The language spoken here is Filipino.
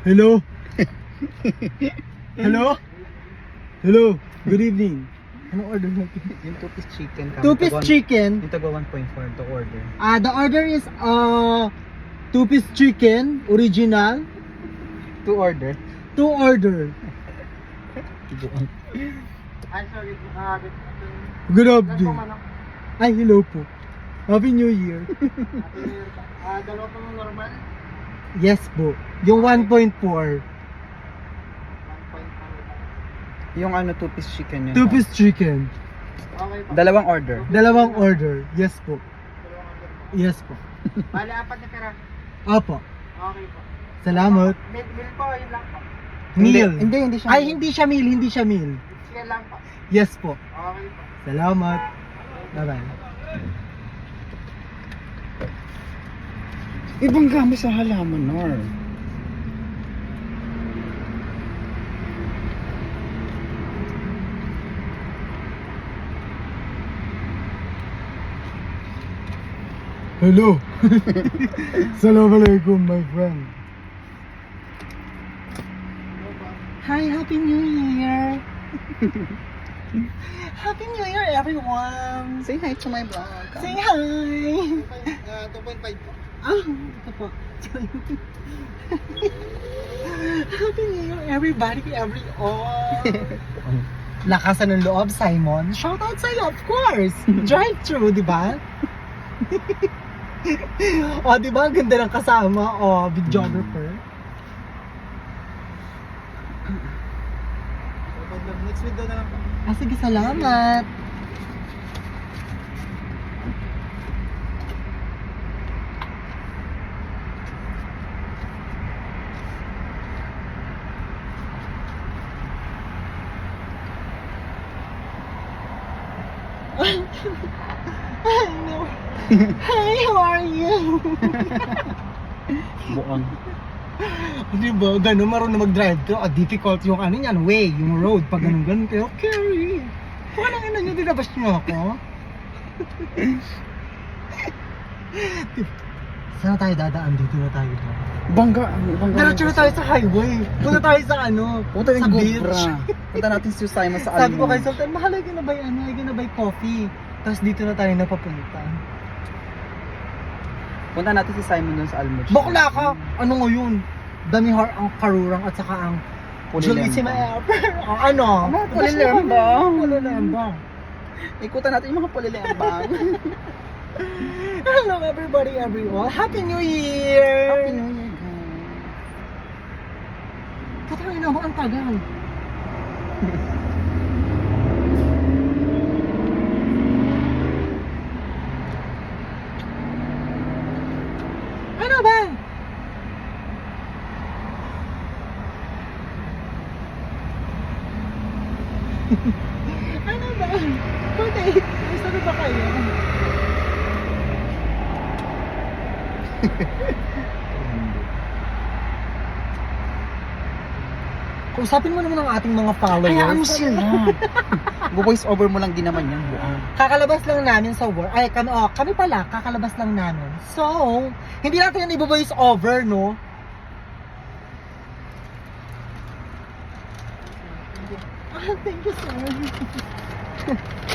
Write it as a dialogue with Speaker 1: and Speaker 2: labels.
Speaker 1: Hello? Hello? Hello? Good evening. Anong order natin?
Speaker 2: Yung 2-piece chicken.
Speaker 1: Two-piece chicken.
Speaker 2: Yung taga 1.4 to order.
Speaker 1: The order is two-piece chicken, original.
Speaker 2: To order?
Speaker 1: To order.
Speaker 3: Ay, sorry.
Speaker 1: Good evening. Ay, hello po. Happy New Year.
Speaker 3: Dalawa po ng normal.
Speaker 1: Yes po. Yung 1.4.
Speaker 2: Yung ano, 2-piece chicken yun.
Speaker 1: Two-piece chicken.
Speaker 3: Okay po.
Speaker 2: Dalawang order.
Speaker 1: Dalawang order. Yes po. Yes po.
Speaker 3: Bale, 4 na pera.
Speaker 1: Opo.
Speaker 3: Okay po.
Speaker 1: Salamat.
Speaker 3: Meal po, yun lang po.
Speaker 1: Meal.
Speaker 2: Hindi siya.
Speaker 1: Ay, hindi siya meal. Hindi siya meal.
Speaker 3: Sige lang po.
Speaker 1: Yes po.
Speaker 3: Okay po.
Speaker 1: Salamat. Bye-bye.
Speaker 2: Ibang gamit sa halaman, Nor.
Speaker 1: Hello. Assalamualaikum, my friend. Hi, Happy New Year. Happy New Year, everyone.
Speaker 2: Say hi to my vlog.
Speaker 1: Say hi.
Speaker 3: 2.5 po.
Speaker 1: Ito po. Happy New Year, everybody, everyone. Lakasan ng loob, Simon. Shout out sa'yo, of course. Drive-thru, di ba? O, di ba? Ang ganda ng kasama. O, videographer.
Speaker 3: Next window na lang po.
Speaker 1: Sige, salamat. Hello. Hi, how are you?
Speaker 2: Buong.
Speaker 1: Di ba, gano'n marunong mag-drive to, difficult yung ano yan, way, yung road, pag ganun kayo, carry. Walang ina nyo, dinabas nyo ako. Saan tayo dadaan? Dito na tayo.
Speaker 2: Bangga.
Speaker 1: Diretso na tayo sa highway. Punta tayo sa ano,
Speaker 2: Punta
Speaker 1: sa
Speaker 2: yung
Speaker 1: beach.
Speaker 2: Gobra. Punta natin si Simon sa
Speaker 1: Sabi ko kay
Speaker 2: Almond.
Speaker 1: Sultan, mahal, ay ginabay ano, ay ginabay coffee. Tapos dito na tayo napapunta.
Speaker 2: Punta natin si Simon dun sa Almond.
Speaker 1: Bakla ka! Ano ngayon? Dami ang karurang at saka ang Julissima Air. Ano?
Speaker 2: Pulilembang.
Speaker 1: Pulilembang.
Speaker 2: Ikutan natin yung mga pulilembang.
Speaker 1: Hello everybody, everyone. Happy New Year!
Speaker 2: Happy New Year, guys.
Speaker 1: Patay na mo ang tagal. Ano ba? Ano ba? Patay. Sabi ba kayo? Kausapin mo naman ang ating mga followers.
Speaker 2: Hayaan mo sila. Voice over mo lang din naman yan, buong.
Speaker 1: Kakalabas lang namin sa work. Ay, kami pala, kakalabas lang namin. So, hindi natin yan i-voice over, no? Thank you, sir.